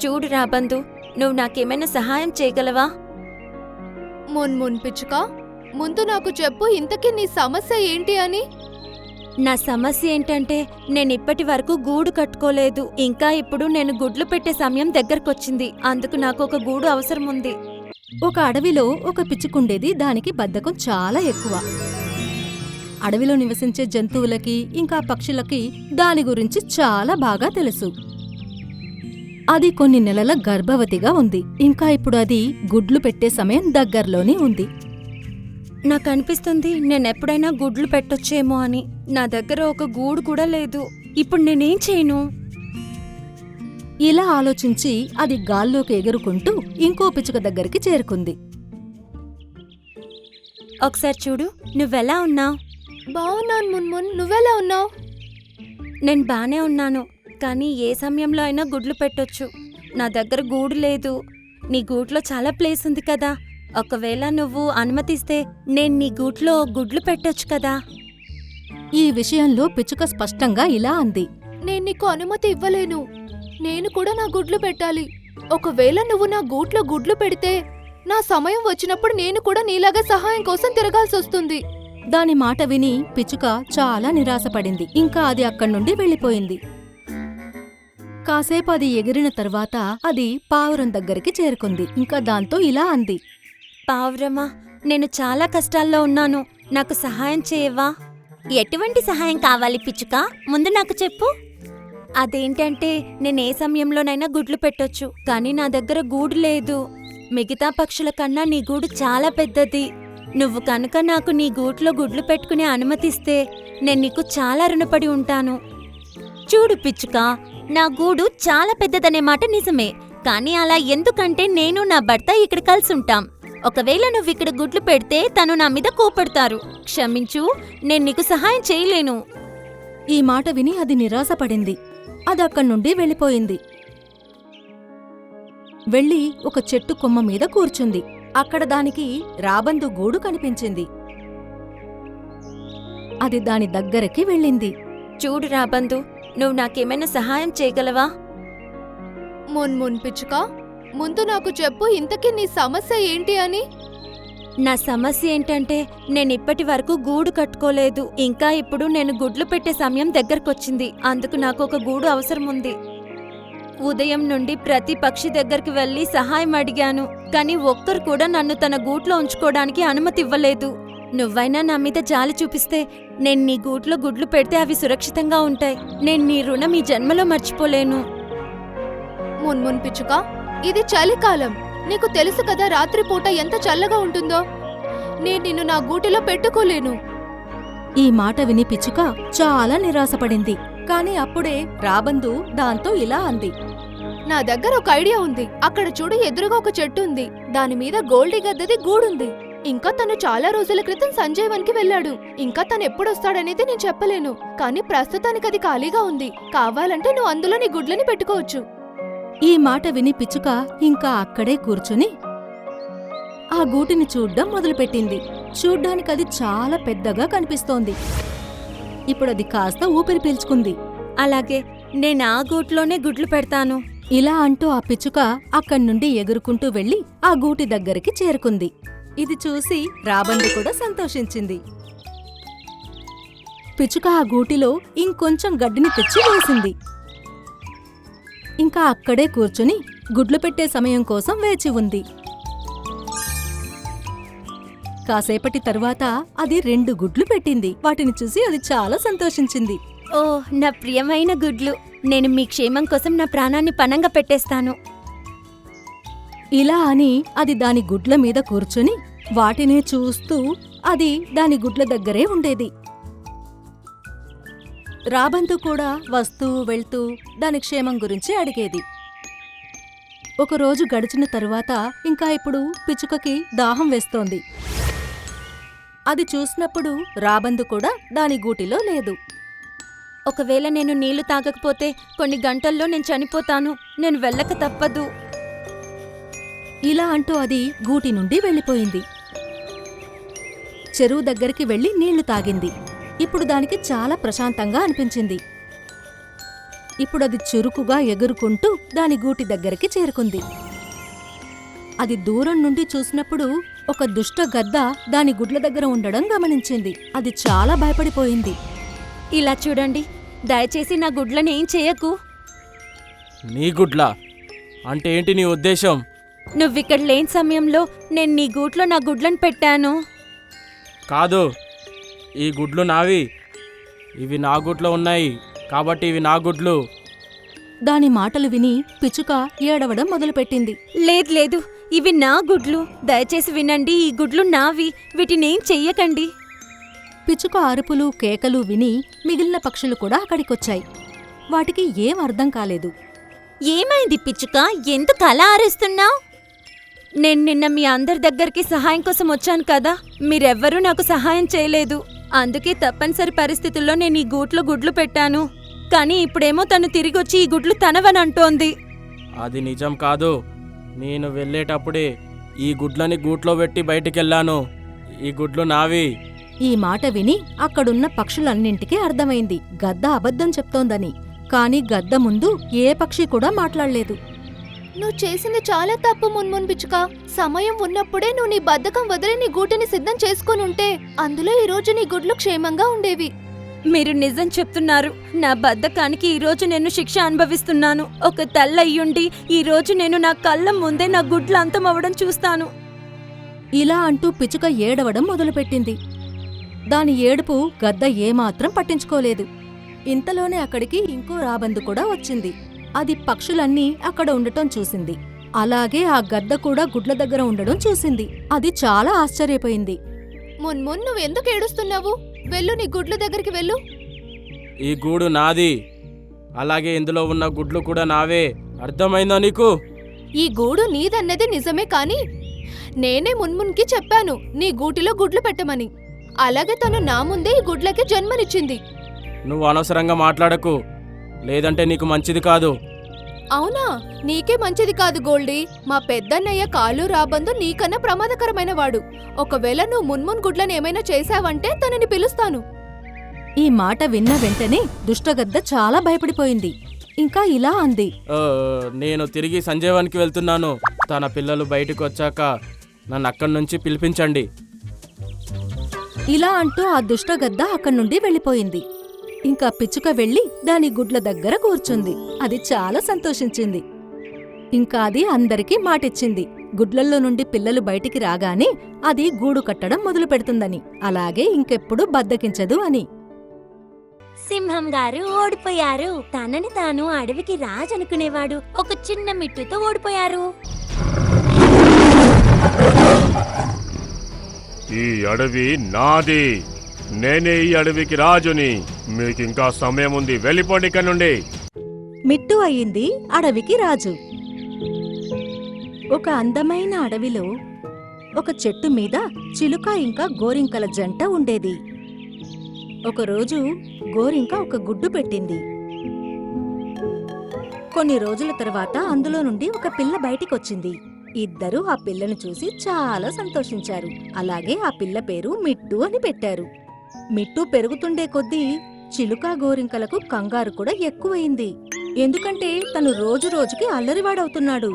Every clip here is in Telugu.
చూడు రాబందు, నువ్వు నాకేమైనా సహాయం చేయగలవా? మున్మున్ పిచ్చుక, ముందు నాకు చెప్పు, ఇంతకీ నీ సమస్య ఏంటి అని. నా సమస్య ఏంటంటే నేనిప్పటి వరకు గూడు కట్టుకోలేదు. ఇంకా ఇప్పుడు నేను గుడ్లు పెట్టే సమయం దగ్గరకొచ్చింది. అందుకు నాకు ఒక గూడు అవసరం ఉంది. ఒక అడవిలో ఒక పిచ్చుకుండేది. దానికి బద్ధకం చాలా ఎక్కువ. అడవిలో నివసించే జంతువులకి ఇంకా పక్షులకి దాని గురించి చాలా బాగా తెలుసు. అది కొన్ని నెలల గర్భవతిగా ఉంది. ఇంకా ఇప్పుడు అది గుడ్లు పెట్టే సమయం దగ్గర్లోనే ఉంది. నాకనిపిస్తుంది నేనెప్పుడైనా గుడ్లు పెట్టొచ్చేమో అని. నా దగ్గర ఒక గూడు కూడా లేదు. ఇప్పుడు నేనేం చేయను? ఇలా ఆలోచించి అది గాల్లోకి ఎగురుకుంటూ ఇంకో పిచ్చుక దగ్గరికి చేరుకుంది. ఒకసారి చూడు, నువ్వెలా ఉన్నావు? బావున్నాను మున్మున్, నువ్వెలా ఉన్నావు? నేను బానే ఉన్నాను, కానీ ఏ సమయంలో అయినా గుడ్లు పెట్టొచ్చు. నా దగ్గర గూడు లేదు. నీ గూట్లో చాలా ప్లేస్ ఉంది కదా. ఒకవేళ నువ్వు అనుమతిస్తే నేను నీ గూట్లో గుడ్లు పెట్టొచ్చు కదా. ఈ విషయంలో పిచ్చుక స్పష్టంగా ఇలా అంది. నేను నీకు అనుమతి ఇవ్వలేను. నేను కూడా నా గుడ్లు పెట్టాలి. ఒకవేళ నువ్వు నా గూట్లో గుడ్లు పెడితే నా సమయం వచ్చినప్పుడు నేను కూడా నీలాగా సహాయం కోసం తిరగాల్సొస్తుంది. దాని మాట విని పిచ్చుక చాలా నిరాశపడింది. ఇంకా అది అక్కడ్నుండి వెళ్ళిపోయింది. కాసేపు అది ఎగిరిన తర్వాత అది పావురం దగ్గరికి చేరుకుంది. ఇంకా దాంతో ఇలా అంది. పావురమా, నేను చాలా కష్టాల్లో ఉన్నాను. నాకు సహాయం చేయవా? ఎటువంటి సహాయం కావాలి పిచ్చుక? ముందు నాకు చెప్పు. అదేంటంటే నేనే సమయంలోనైనా గుడ్లు పెట్టొచ్చు, కానీ నా దగ్గర గూడు లేదు. మిగతా పక్షుల కన్నా నీ గూడు చాలా పెద్దది. నువ్వు కనుక నాకు నీ గూట్లో గుడ్లు పెట్టుకునే అనుమతిస్తే నేను నీకు చాలా రుణపడి ఉంటాను. చూడు పిచ్చుక, నా గూడు చాలా పెద్దదనే మాట నిజమే, కానీ అలా ఎందుకంటే నేను నా భర్త ఇక్కడ కలిసుంటాం. ఒకవేళ నువ్విక్కడ గుడ్లు పెడితే తను నా మీద కోపడతారు. క్షమించు, నేను నీకు సహాయం చేయలేను. ఈ మాట విని అది నిరాశపడింది. అది అక్కడ్నుండి వెళ్ళిపోయింది. వెళ్ళి ఒక చెట్టు కొమ్మ మీద కూర్చుంది. అక్కడ దానికి రాబందు గూడు కనిపించింది. అది దాని దగ్గరికి వెళ్ళింది. చూడు రాబందు, నువ్వు నాకేమైనా సహాయం చేయగలవా? మున్మున్ పిచ్చుక, ముందు నాకు చెప్పు, ఇంతకీ నీ సమస్య ఏంటి అని. నా సమస్య ఏంటంటే నేనిప్పటి వరకు గూడు కట్టుకోలేదు. ఇంకా ఇప్పుడు నేను గుడ్లు పెట్టే సమయం దగ్గరకొచ్చింది. అందుకు నాకు ఒక గూడు అవసరం ఉంది. ఉదయం నుండి ప్రతి పక్షి దగ్గరికి వెళ్లి సహాయం అడిగాను, కానీ ఒక్కరు కూడా నన్ను తన గూట్లో ఉంచుకోవడానికి అనుమతి ఇవ్వలేదు. నువ్వైనా నా మీద జాలి చూపిస్తే నేను నీ గూట్లో గుడ్లు పెడితే అవి సురక్షితంగా ఉంటాయి. నేను నీ రుణం ఈ జన్మలో మర్చిపోలేను. మున్మున్ పిచ్చుక, ఇది చలికాలం. నీకు తెలుసు కదా రాత్రిపూట ఎంత చల్లగా ఉంటుందో. నేను నిన్ను నా గూటిలో పెట్టుకోలేను. ఈ మాట విని పిచ్చుక చాలా నిరాశపడింది. కాని అప్పుడే రాబందు దాంతో ఇలా అంది. నా దగ్గర ఒక ఐడియా ఉంది. అక్కడ చూడు, ఎదురుగా ఒక చెట్టు ఉంది. దానిమీద గోల్డీ గద్దది గూడుంది. ఇంకా తను చాలా రోజుల క్రితం సంజయవన్కి వెళ్ళాడు. ఇంకా తను ఎప్పుడొస్తాడనేది నేను చెప్పలేను, కానీ ప్రస్తుతానికి అది ఖాళీగా ఉంది. కావాలంటే నువ్వు అందులో నీ గుడ్లని పెట్టుకోవచ్చు. ఈ మాట విని పిచ్చుక ఇంకా అక్కడే కూర్చుని ఆ గూటిని చూడ్డం మొదలుపెట్టింది. చూడ్డానికది చాలా పెద్దగా కనిపిస్తోంది. ఇప్పుడది కాస్త ఊపిరి పీల్చుకుంది. అలాగే నేను ఆ గూట్లోనే గుడ్లు పెడతాను. ఇలా అంటూ ఆ పిచ్చుక అక్కడ్నుండి ఎగురుకుంటూ వెళ్లి ఆ గూటి దగ్గరికి చేరుకుంది. ఇది చూసి రాబందు కూడా సంతోషించింది. పిచ్చుక ఆ గూటిలో ఇంకొంచెం గడ్డిని తెచ్చి వేసింది. ఇంకా అక్కడే కూర్చుని గుడ్లు పెట్టే సమయం కోసం వేచి ఉంది. కాసేపటి తరువాత అది 2 గుడ్లు పెట్టింది. వాటిని చూసి అది చాలా సంతోషించింది. ఓ నా ప్రియమైన గుడ్లు, నేను మీ క్షేమం కోసం నా ప్రాణాన్ని పణంగా పెట్టేస్తాను. ఇలా అని అది దాని గుడ్ల మీద కూర్చుని వాటినే చూస్తూ అది దాని గుడ్ల దగ్గరే ఉండేది. రాబందు కూడా వస్తూ వెళ్తూ దాని క్షేమం గురించి అడిగేది. ఒకరోజు గడిచిన తరువాత ఇంకా ఇప్పుడు పిచ్చుకకి దాహం వేస్తోంది. అది చూసినప్పుడు రాబందు కూడా దాని గూటిలో లేదు. ఒకవేళ నేను నీళ్లు తాగకపోతే కొన్ని గంటల్లో నేను చనిపోతాను. నేను వెళ్ళక తప్పదు. ఇలా అంటూ అది గూటి నుండి వెళ్ళిపోయింది. చెరువు దగ్గరికి వెళ్లి నీళ్లు తాగింది. ఇప్పుడు దానికి చాలా ప్రశాంతంగా అనిపించింది. ఇప్పుడది చురుకుగా ఎగురుకుంటూ దాని గూటి దగ్గరికి చేరుకుంది. అది దూరం నుండి చూసినప్పుడు ఒక దుష్ట గద్ద దాని గుడ్ల దగ్గర ఉండడం గమనించింది. అది చాలా భయపడిపోయింది. ఇలా చూడండి, దయచేసి నా గుడ్లని ఏం చేయకు. నీ గుడ్లా అంటే ఏంటి నీ ఉద్దేశం? నువ్విక్కడ లేని సమయంలో నేను నీ గూట్లో నా గుడ్లను పెట్టాను. కాదు, ఈ గుడ్లు నావి. ఇవి నా గుడ్లో ఉన్నాయి కాబట్టి ఇవి నా గుడ్లు. దాని మాటలు విని పిచ్చుక ఏడవడం మొదలుపెట్టింది. లేదు లేదు, ఇవి నా గుడ్లు. దయచేసి వినండి, ఈ గుడ్లు నావి. వీటినేం చెయ్యకండి. పిచ్చుక అరుపులు కేకలు విని మిగిలిన పక్షులు కూడా అక్కడికొచ్చాయి. వాటికి ఏం అర్థం కాలేదు. ఏమైంది పిచ్చుక, ఎందుకు అలా అరుస్తున్నావు? నేను నిన్న మీ అందరి దగ్గరికి సహాయం కోసం వచ్చాను కదా, మీరెవ్వరూ నాకు సహాయం చేయలేదు. అందుకే తప్పనిసరి పరిస్థితుల్లో నేను ఈ గూట్లో గుడ్లు పెట్టాను. కానీ ఇప్పుడేమో తను తిరిగొచ్చి ఈ గుడ్లు తనవని అంటోంది. అది నిజం కాదు. నేను వెళ్ళేటప్పుడే ఈ గుడ్లని గూట్లో పెట్టి బయటికెళ్ళాను. ఈ గుడ్లు నావి. ఈ మాట విని అక్కడున్న పక్షులన్నింటికీ అర్థమైంది గద్ద అబద్ధం చెప్తోందని. కాని గద్ద ముందు ఏ పక్షి కూడా మాట్లాడలేదు. నువ్వు చేసింది చాలా తప్పు మున్మున్ పిచ్చుక. సమయం ఉన్నప్పుడే నువ్వు నీ బద్ధకం వదిలి నీ గూటిని సిద్ధం చేసుకొనుంటే అందులో ఈ రోజు నీ గుడ్లు క్షేమంగా ఉండేవి. మీరు నిజం చెప్తున్నారు. నా బద్ధకానికి ఈరోజు నేను శిక్ష అనుభవిస్తున్నాను. ఒక తల్లయ్యుండి ఈరోజు నేను నా కళ్ళ ముందే నా గుడ్లు అంతమవ్వడం చూస్తాను. ఇలా అంటూ పిచ్చుక ఏడవడం మొదలుపెట్టింది. దాని ఏడుపు గద్ద ఏమాత్రం పట్టించుకోలేదు. ఇంతలోనే అక్కడికి ఇంకో రాబందు కూడా వచ్చింది. అది పక్షులన్నీ అక్కడ ఉండటం చూసింది. అలాగే ఆ గద్ద కూడా గుడ్ల దగ్గర ఉండడం చూసింది. అది చాలా ఆశ్చర్యపోయింది. మున్మున్ నువ్వెందుకు ఏడుస్తున్నావు? వెళ్ళు, నీ గుడ్ల దగ్గరికి వెళ్ళు. ఈ గూడు నాది. అలాగే ఇందులో ఉన్న గుడ్లు కూడా నావే. అర్థమైందా నీకు? ఈ గూడు నీదన్నది నిజమే కాని నేనే మున్మున్కి చెప్పాను నీ గూటిలో గుడ్లు పెట్టమని. అలాగే తను నా ముందే ఈ గుడ్లకి జన్మనిచ్చింది. నువ్వు అనవసరంగా మాట్లాడకు, లేదంటే నీకు మంచిది కాదు. అవునా? నీకే మంచిది కాదు గోల్డీ. మా పెద్దన్నయ్య కాలు రాబందు నీకన్నా ప్రమాదకరమైన వాడు. ఒకవేళ నువ్వు మున్మున్ గుడ్లను ఏమైనా చేశావంటే తనని పిలుస్తాను. ఈ మాట విన్న వెంటనే దుష్టగద్ద చాలా భయపడిపోయింది. ఇంకా ఇలా అంది. నేను తిరిగి సంజీవానికి వెళ్తున్నాను. తన పిల్లలు బయటకు వచ్చాక నన్ను అక్కడి నుంచి పిలిపించండి. ఇలా అంటూ ఆ దుష్టగద్ద అక్కడి నుండి వెళ్ళిపోయింది. ఇంకా పిచ్చుక వెళ్లి దాని గుడ్ల దగ్గర కూర్చుంది. అది చాలా సంతోషించింది. ఇంకా అది అందరికీ మాటిచ్చింది. గుడ్లల్లో నుండి పిల్లలు బయటికి రాగానే అది గూడు కట్టడం మొదలు పెడుతుందని, అలాగే ఇంకెప్పుడు బద్దకించదు అని. సింహం గారు ఓడిపోయారు. తనని తాను అడవికి రాజనుకునేవాడు ఒక చిన్న మిట్టుతో ఓడిపోయారు. ఈ అడవి నాది. నేనే ఈ అడవికి రాజుని. మీకింకా సమయం ఉంది, వెళ్ళిపోండి ఇక్కడ నుండి. మిట్టు అయింది అడవికి రాజు. ఒక అందమైన అడవిలో ఒక చెట్టు మీద చిలుక ఇంకా గోరింకల జంట ఉండేది. ఒకరోజు గోరింక ఒక గుడ్డు పెట్టింది. కొన్ని రోజుల తర్వాత అందులో నుండి ఒక పిల్ల బయటికొచ్చింది. ఇద్దరూ ఆ పిల్లను చూసి చాలా సంతోషించారు. అలాగే ఆ పిల్ల పేరు మిట్టు అని పెట్టారు. మిట్టు పెరుగుతుండే కొద్దీ చిలుక గోరింకలకు కంగారు కూడా ఎక్కువయింది. ఎందుకంటే తను రోజు రోజుకి అల్లరివాడవుతున్నాడు.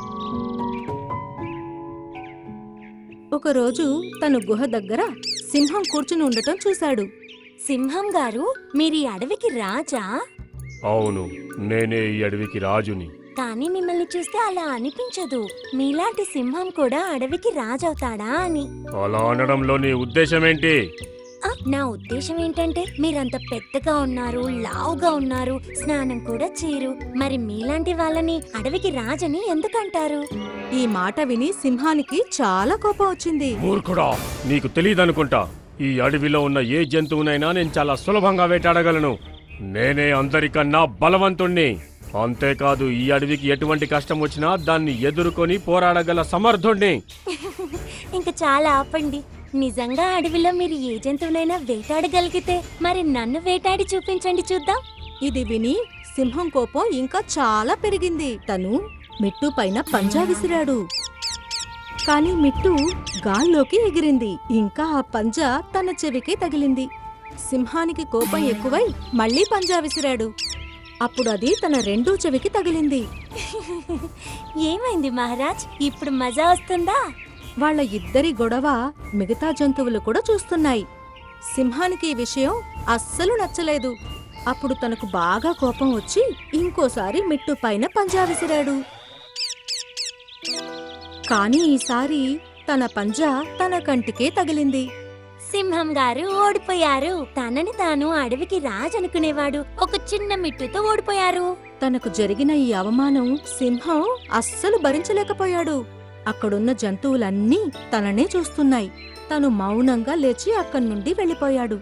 ఒకరోజు తను గుహ దగ్గర సింహం కూర్చుని ఉండటం చూశాడు. సింహం గారు, మీరు ఈ అడవికి రాజా? అవును, నేనే ఈ అడవికి రాజుని. కానీ మిమ్మల్ని చూస్తే అలా అనిపించదు. మీలాంటి సింహం కూడా అడవికి రాజవుతాడా అని. అలా అనడంలో నీ ఉద్దేశమేంటి? నా ఉద్దేశం ఏంటంటే మీరంత పెద్దగా ఉన్నారు, లావుగా ఉన్నారు, స్నానం కూడా చేయరు. మరి మీలాంటి వాళ్ళని అడవికి రాజని ఎందుకంటారు? ఈ మాట విని సింహానికి చాలా కోపం వచ్చింది. మూర్ఖుడా, నీకు తెలియదనుకుంటా. ఈ అడవిలో ఉన్న ఏ జంతువునైనా నేను చాలా సులభంగా వేటాడగలను. నేనే అందరికన్నా బలవంతుణ్ణి. అంతేకాదు, ఈ అడవికి ఎటువంటి కష్టం వచ్చినా దాన్ని ఎదుర్కొని పోరాడగల సమర్థుణ్ణి. ఇంకా చాలా ఆపండి. నిజంగా అడవిలో మీరు ఏ జంతువునైనా వేటాడగలిగితే మరి నన్ను వేటాడి చూపించండి చూద్దాం. ఇది విని సింహం కోపం ఇంకా చాలా పెరిగింది. తను మిట్టు పైన పంజా విసిరాడు. కాని మిట్టు గాల్లోకి ఎగిరింది. ఇంకా ఆ పంజా తన చెవికి తగిలింది. సింహానికి కోపం ఎక్కువై మళ్లీ పంజా విసిరాడు. అప్పుడు అది తన రెండో చెవికి తగిలింది. ఏమైంది మహారాజ్, ఇప్పుడు మజా వస్తుందా? వాళ్ళ ఇద్దరి గొడవ మిగతా జంతువులు కూడా చూస్తున్నాయి. సింహానికి ఈ విషయం అస్సలు నచ్చలేదు. అప్పుడు తనకు బాగా కోపం వచ్చి ఇంకోసారి మిట్టు పైన పంజా విసిరాడు. కాని ఈసారి తన పంజా తన కంటికే తగిలింది. సింహం గారు ఓడిపోయారు. తనని తాను అడవికి రాజు అనుకునేవాడు ఒక చిన్న మిట్టుతో ఓడిపోయారు. తనకు జరిగిన ఈ అవమానం సింహం అస్సలు భరించలేకపోయాడు. అక్కడున్న జంతువులన్నీ తననే చూస్తున్నాయి. తను మౌనంగా లేచి అక్కడి నుండి వెళ్ళిపోయాడు.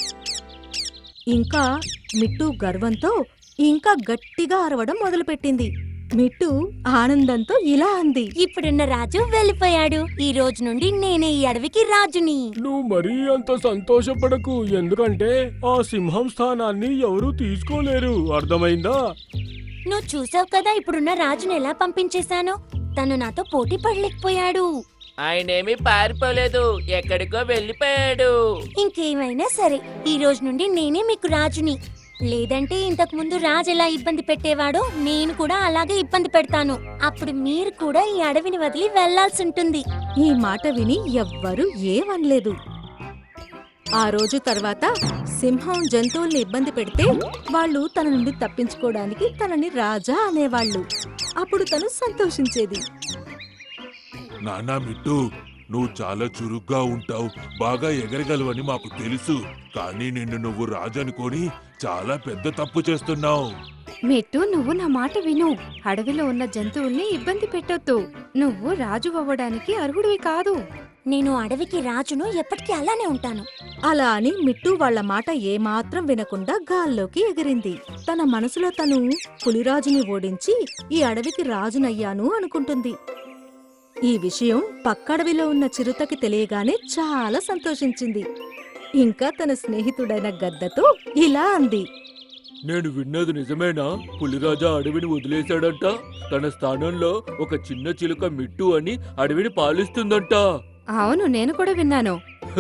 ఇంకా మిట్టు గర్వంతో ఇంకా గట్టిగా అరవడం మొదలుపెట్టింది. మిట్టు ఆనందంతో ఇలా అంది. ఇప్పుడున్న రాజు వెళ్ళిపోయాడు. ఈ రోజు నుండి నేనే ఈ అడవికి రాజుని. నువ్వు మరీ అంత సంతోషపడకు, ఎందుకంటే ఆ సింహం స్థానాన్ని ఎవరూ తీసుకోలేరు. అర్థమైందా? నువ్వు చూసావు కదా ఇప్పుడున్న రాజుని ఎలా పంపించేశాను. తను నాతో పోటీ పడలేకపోయాడు. ఆయనేమి పారిపోలేదు, ఎక్కడికో వెళ్ళిపోయాడు. ఇంకేమైనా సరే ఈ రోజు నుండి నేనే మీకు రాజుని. లేదంటే ఇంతకు ముందు రాజు ఎలా ఇబ్బంది పెట్టేవాడో నేను కూడా అలాగే ఇబ్బంది పెడతాను. అప్పుడు మీరు కూడా ఈ అడవిని వదిలి వెళ్లాల్సి ఉంటుంది. ఈ మాట విని ఎవ్వరూ ఏమనలేదు. ఆ రోజు తర్వాత సింహం జంతువుల్ని ఇబ్బంది పెడితే వాళ్ళు తన నుండి తప్పించుకోవడానికి తనని రాజా అనేవాళ్ళు. అప్పుడు తను సంతోషించేది. నానా మిట్టు, నువ్వు చాలా చురుగ్గా ఉంటావు, బాగా ఎగరగలవని మాకు తెలుసు. కానీ నిన్ను నువ్వు రాజనుకొని చాలా పెద్ద తప్పు చేస్తున్నావు. మిట్టు, నువ్వు నా మాట విను. అడవిలో ఉన్న జంతువుల్ని ఇబ్బంది పెట్టొద్దు. నువ్వు రాజు అవ్వడానికి అర్హుడివి కాదు. నేను అడవికి రాజును, ఎప్పటికీ అలానే ఉంటాను. అలా అని మిట్టు వాళ్ళ మాట ఏమాత్రం వినకుండా గాల్లోకి ఎగిరింది. తన మనసులో తను పులిరాజుని ఓడించి ఈ అడవికి రాజునయ్యాను అనుకుంటుంది. ఈ విషయం పక్కడవిలో ఉన్న చిరుతకి తెలియగానే చాలా సంతోషించింది. ఇంకా తన స్నేహితుడైన గద్దతో ఇలా అంది. నేను విన్నది నిజమేనా? పులిరాజా అడవిని వదిలేశాడంట. తన స్థానంలో ఒక చిన్న చిలుక మిట్టు అని అడవిని పాలిస్తుందంట. అవును, నేను కూడా విన్నాను.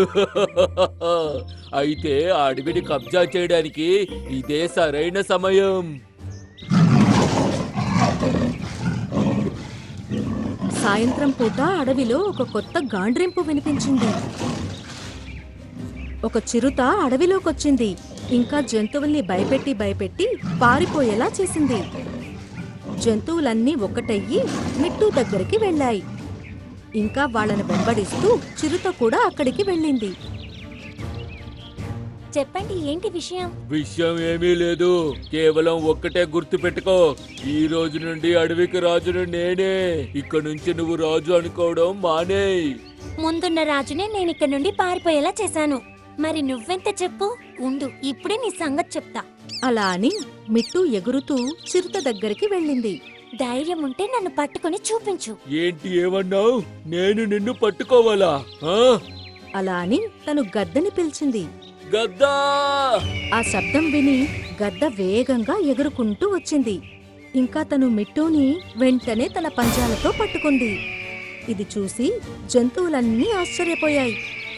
అయితే ఆ అడవిని కబ్జా చేయడానికి ఇదే సరైన సమయం. సాయంత్రం పూట అడవిలో ఒక కొత్త గాండ్రింపు వినిపించింది. ఒక చిరుత అడవిలోకొచ్చింది. ఇంకా జంతువుల్ని భయపెట్టి పారిపోయేలా చేసింది. జంతువులన్నీ ఒక్కటయ్యి మిట్టు దగ్గరికి వెళ్ళాయి. ఇంకా వాళ్ళని వెంబడిస్తూ చిరుత కూడా అక్కడికి వెళ్ళింది. చెప్పండి, ఏంటి విషయం? విషయం ఏమీ లేదు, కేవలం ఒక్కటే గుర్తు పెట్టుకో. ఈ రోజు నుండి అడవికి రాజును నేనే. ఇక నుంచి నువ్వు రాజు అనుకోవడం మానేయ్. ముందున్న రాజునే నేను ఇక్కడ నుండి పారిపోయేలా చేశాను. మరి నువ్వెంత చెప్పు. ఉండు, ఇప్పుడే నీ సంగతి చెప్తా. అలా అని మిట్టు ఎగురుతూ చిరుత దగ్గరికి వెళ్ళింది. ధైర్యం ఉంటే నన్ను పట్టుకొని చూపించు. ఏంటి ఏమన్నావు? నేను నిన్ను పట్టుకోవాలా? ఆ? అలా అని తను గద్దని పిలిచింది. గద్దా! ఆ శబ్దం విని గద్ద వేగంగా ఎగురుకుంటూ వచ్చింది. ఇంకా తను మిట్టుని వెంటనే తన పంజాలతో పట్టుకుంది. ఇది చూసి జంతువులన్నీ ఆశ్చర్యపోయాయి.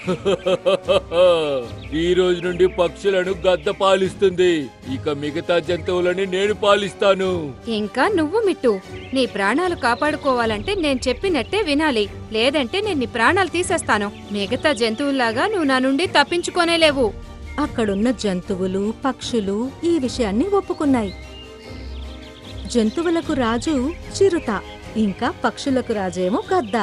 ఈ రోజు నుండి పక్షులను గద్ద పాలిస్తుంది. ఇక మిగతా జంతువులని నేను పాలిస్తాను. ఇంకా నువ్వు మిట్టు, నీ ప్రాణాలు కాపాడుకోవాలంటే నేను చెప్పినట్టే వినాలి. లేదంటే నేను నీ ప్రాణాలు తీసేస్తాను. మిగతా జంతువుల్లాగా నువ్వు నా నుండి తప్పించుకోనేలేవు. అక్కడున్న జంతువులు పక్షులు ఈ విషయాన్ని ఒప్పుకున్నాయి. జంతువులకు రాజు చిరుత, ఇంకా పక్షులకు రాజేమో గద్ద.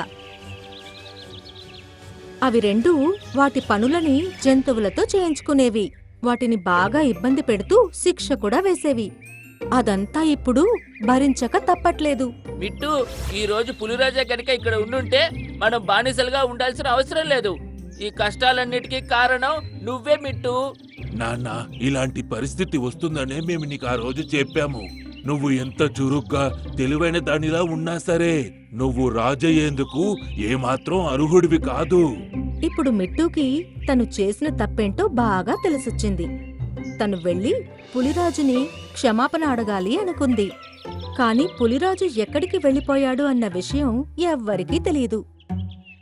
అవి రెండూ వాటి పనులని జంతువులతో చేయించుకునేవి. వాటిని బాగా ఇబ్బంది పెడుతూ శిక్ష కూడా వేసేవి. అదంతా ఇప్పుడు భరించక తప్పట్లేదు. మిట్టు, ఈ రోజు పులిరాజా గనుక ఇక్కడ ఉండుంటే మనం బానిసలుగా ఉండాల్సిన అవసరం లేదు. ఈ కష్టాలన్నిటికీ కారణం నువ్వే మిట్టు. నాన్న, ఇలాంటి పరిస్థితి వస్తుందనే మేము నీకు ఆ రోజు చెప్పాము. నువ్వు ఎంత చురుగ్గా తెలివైన దానిలా ఉన్నా సరే నువ్వు రాజయ్యేందుకు ఏమాత్రం అర్హుడివి కాదు. ఇప్పుడు మిట్టుకి తను చేసిన తప్పేంటో బాగా తెలిసొచ్చింది. తను వెళ్లి పులిరాజుని క్షమాపణ అడగాలి అనుకుంది. కాని పులిరాజు ఎక్కడికి వెళ్ళిపోయాడు అన్న విషయం ఎవ్వరికీ తెలియదు.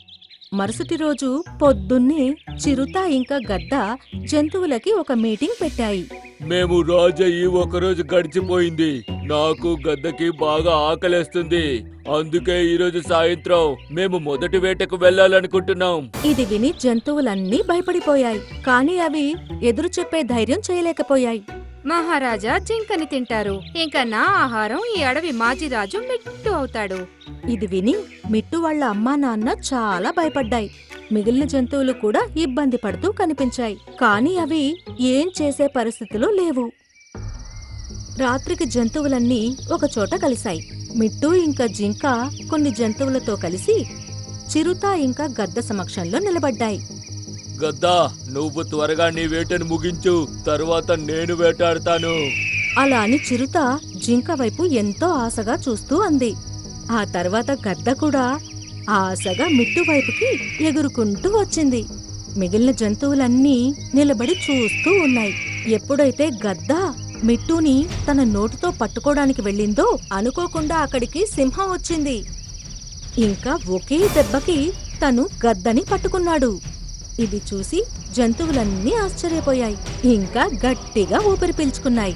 మరుసటి రోజు పొద్దున్నే చిరుత ఇంకా గద్ద జంతువులకి ఒక మీటింగ్ పెట్టాయి. మేము రాజయ్యి ఒకరోజు గడిచిపోయింది. నాకు గద్దకి బాగా ఆకలేస్తుంది. అందుకే ఈరోజు సాయంత్రం మేము మొదటి వేటకు వెళ్ళాలనుకుంటున్నాం. ఇది విని జంతువులన్నీ భయపడిపోయాయి. కాని అవి ఎదురు చెప్పే ధైర్యం చేయలేకపోయాయి. మహారాజా జింకని తింటారు. ఇంకా నా ఆహారం ఈ అడవి మాజీరాజు మిట్టు అవుతాడు. ఇది విని మిట్టు వాళ్ళ అమ్మా నాన్న చాలా భయపడ్డాయి. మిగిలిన జంతువులు కూడా ఇబ్బంది పడుతూ కనిపించాయి. కాని అవి ఏం చేసే పరిస్థితిలో లేవు. రాత్రికి జంతువులన్నీ ఒకచోట కలిశాయి. మిట్టు ఇంకా జింక కొన్ని జంతువులతో కలిసి చిరుత ఇంకా గద్ద సమక్షంలో నిలబడ్డాయి. గద్దా, నువ్వు త్వరగా నీ వేటను ముగించు, తరువాత నేను వేటాడతాను. అలా అని చిరుత జింక వైపు ఎంతో ఆశగా చూస్తూ అంది. ఆ తర్వాత గద్ద కూడా ఆశగా మిట్టు వైపుకి ఎగురుకుంటూ వచ్చింది. మిగిలిన జంతువులన్నీ నిలబడి చూస్తూ ఉన్నాయి. ఎప్పుడైతే గద్ద మిట్టుని తన నోటితో పట్టుకోవడానికి వెళ్ళిందో అనుకోకుండా అక్కడికి సింహం వచ్చింది. ఇంకా ఒకే దెబ్బకి తను గద్దని పట్టుకున్నాడు. ఇది చూసి జంతువులన్నీ ఆశ్చర్యపోయాయి. ఇంకా గట్టిగా ఊపిరి పీల్చుకున్నాయి.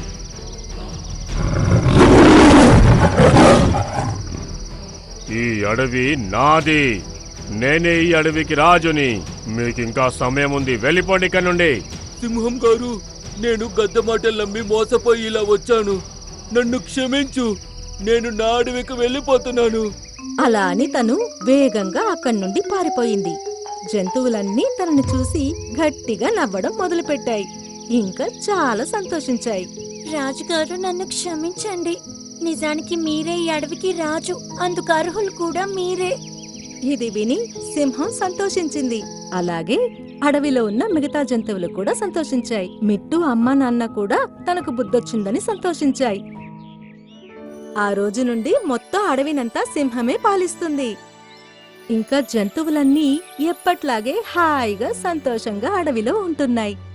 ఈ అడవి నాది. నేనే ఈ అడవికి రాజుని. మీకింకా సమయం ఉంది, వెళ్ళిపోండి ఇక్కడ నుండి. సింహం గారు, నేను గద్ద మాటలు నమ్మి మోసపోయి ఇలా వచ్చాను. నన్ను క్షమించు. నేను నా అడవికి వెళ్ళిపోతున్నాను. అలా అని తను వేగంగా అక్కడి నుండి పారిపోయింది. జంతువులన్నీ తనని చూసి గట్టిగా నవ్వడం మొదలుపెట్టాయి. ఇంకా చాలా సంతోషించాయి. రాజుగారు నన్ను క్షమించండి. నిజానికి మీరే ఈ అడవికి రాజు, అందుకు అర్హులు కూడా మీరే. ఇది విని సింహం సంతోషించింది. అలాగే అడవిలో ఉన్న మిగతా జంతువులు కూడా సంతోషించాయి. మిట్టు అమ్మా నాన్న కూడా తనకు బుద్ధొచ్చిందని సంతోషించాయి. ఆ రోజు నుండి మొత్తం అడవినంతా సింహమే పాలిస్తుంది. ఇంకా జంతువులన్నీ ఎప్పట్లాగే హాయిగా సంతోషంగా అడవిలో ఉంటున్నాయి.